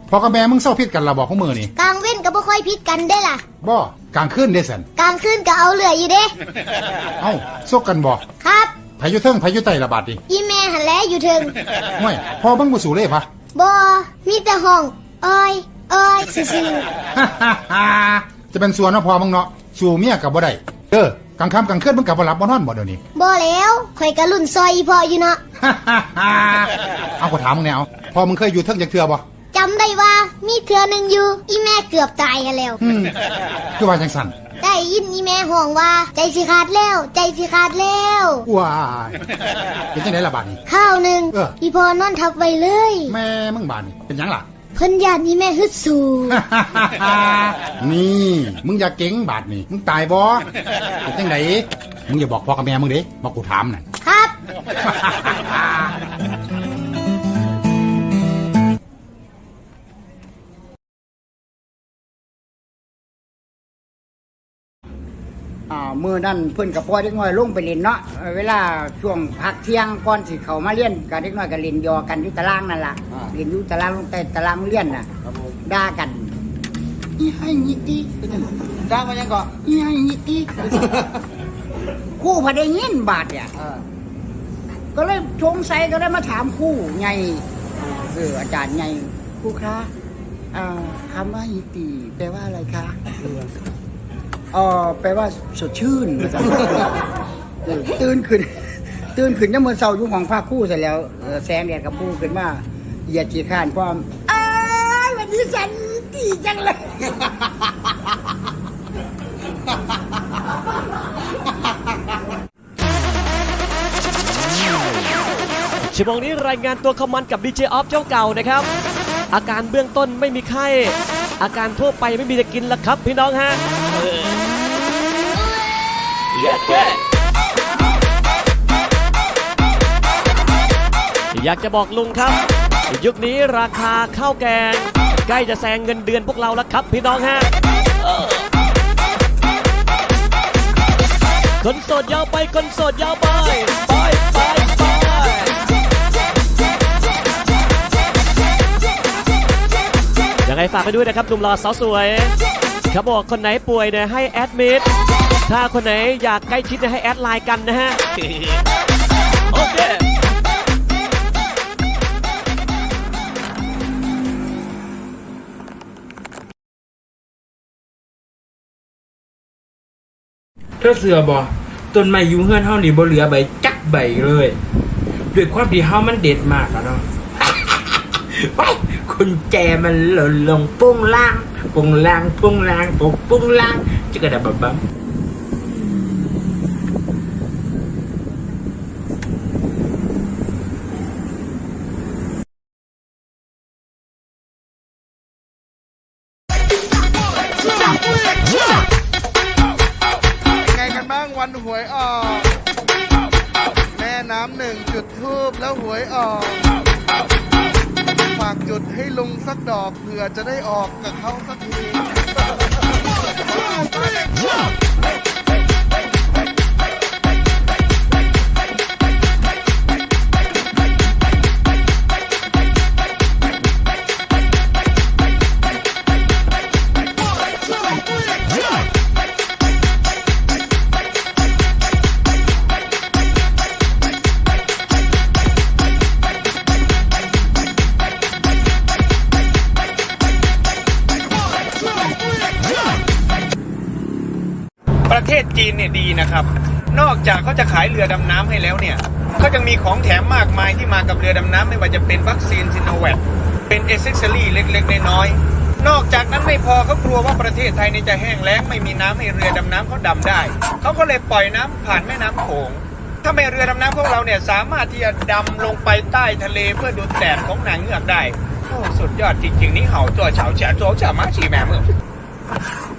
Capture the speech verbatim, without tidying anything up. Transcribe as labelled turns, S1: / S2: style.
S1: พอกับแม่มึงเศร้าพิษกันละบอกของมือนี่
S2: กลางเว้นก็บ่ค่อยพิษกันได้ล่ะ
S1: บ่กลางคืนเด้สัน
S2: กลางคืนก็เอาเหลืออยู่เด้
S1: เอ้าซกกันบ่
S2: ครับ
S1: ไผอยู่เทิงไผอยู่ใต้ละบาดดิ
S2: อีแม่หันแลอยู่เทิง
S1: ห่วยพอบังบ่สู่เลยพะ
S2: บ่มีแต่ห้องอ้อยอ้อยซื่อ
S1: ๆจะเป็นส่วนเนาะพอมึงเนาะสู่เมียก็บ่ได้เด้อกลางค่ำกลางคืนมึงก็บ่หลับบ่นอนบ่เดี๋ยวนี้
S2: บ่แล้วข่อยก็รุ่นซอยอีพ่ออยู่เนาะ
S1: เอาก็ถามมึงแนวพอมึงเคยอยู่เทิงจักเทื่อบ่
S2: จำได้ว่ามีเทื่อนึงอยู่อีแม่เกือบตายแล้ว
S1: คือว่าจังซั่น
S2: ได้ยินอีแม่ห้องว่าใจสิขาดแล้วใจสิขาดแล้ว
S1: ว้ายเป็นจังได๋ล่ะบาดนี้
S2: ข้าวนึงอีพ่อนอนทับไว้เลย
S1: แม่มึงบาดนี้เป็นหยังล่ะ
S2: เพิ่นญาติอีแม่ฮึดสู้
S1: นี่มึงอย่าเก่งบาดนี้มึงตายบ่เป็นจังได๋มึงอย่าบอกพ่อกับแม่มึงเด้บอกกูถามน่ะ
S2: ครับ
S3: อ่ามื้อนั้นเพิ่นก็ปล่อยเด็กน้อยลงไปเล่นเนาะเวลาช่วงพักเที่ยงก่อนสิเข้ามาเรียนก็เด็กน้อยก็เล่นยอกันอยู่ตารางนั่นล่ะเล่นอยู่ตารางลงใต้ตารางเรียนน่ะด่ากันอีให้ยิติด่าว่าจังก็อีให้ยิติครูพอได้ยินบาดเนี่ยก็เลยสงสัยก็ได้มาถามครูไงเอออาจารย์ไงครูคะอ่าคำว่ายิติแปลว่าอะไรคะเออแปลว่าสดชื่นตื่นขึ้นตื่นขึ้นน้ำมันเศร้าอยู่ของภาคคู่เสร็จแล้วแสงแดดกับผู้ขึ้นมาเหยียดจีข้านความอ้ายวันนี้ฉันดีจังเลย
S4: ชั่วโมงนี้รายงานตัวคอมมันกับ ดี เจ ออฟเจ้าเก่านะครับอาการเบื้องต้นไม่มีไข้อาการทั่วไปไม่มีจะกินแล้วครับพี่น้องฮะอยากจะบอกลุงครับยุคนี้ราคาข้าวแกงใกล้จะแซงเงินเดือนพวกเราแล้วครับพี่น้องฮะคนโสดยาวไปคนโสดยาวไปไปไปไปยังไงฝากไปด้วยนะครับหนุ่มหล่อสาวสวยเขาบอกคนไหนป่วยเนี่ยให้แอดมิดถ้าคนไหนอยากใกล้ชิดเนี่ยให้แอดไลน์กันนะฮะโอเค
S5: เธอเสือบ่ต้นไม้อยู่เฮือนเฮานี่บ่เหลือใบจักใบเลยด้วยความที่เฮามันเด็ดมากอะเนาะไปคุณแจมันหล่นลงปุ้งล่างปุ้งล่างปุ้งล่างปุ้งปุ้งล่างจะกระดับบับ
S6: ไงกันบ้างวันหวยออกแม่น้ำหนึ่งจุดทูบแล้วหวยออกฝากจุดให้ลุงสักดอกเผื่อจะได้ออกกับเขาสักที
S7: ประเทศจีนเนี่ยดีนะครับนอกจากเขาจะขายเรือดำน้ำให้แล้วเนี่ยเขายังมีของแถมมากมายที่มากับเรือดำน้ำไม่ว่าจะเป็นวัคซีนซิโนแวคเป็นเอเซ็กซอรี่เล็กๆน้อยๆนอกจากนั้นไม่พอเขากลัวว่าประเทศไทยนี่จะแห้งแล้งไม่มีน้ำให้เรือดำน้ำเขาดำได้เขาก็เลยปล่อยน้ำผ่านแม่น้ำโขงถ้าไม่เรือดำน้ำของเราเนี่ยสามารถที่จะดำลงไปใต้ทะเลเพื่อดูแดดของนางเงือกได้โอ้สุดยอดจริงๆนี่เห่าตัวเฉาเฉาตัวเฉามาฉีแม่เมื่อ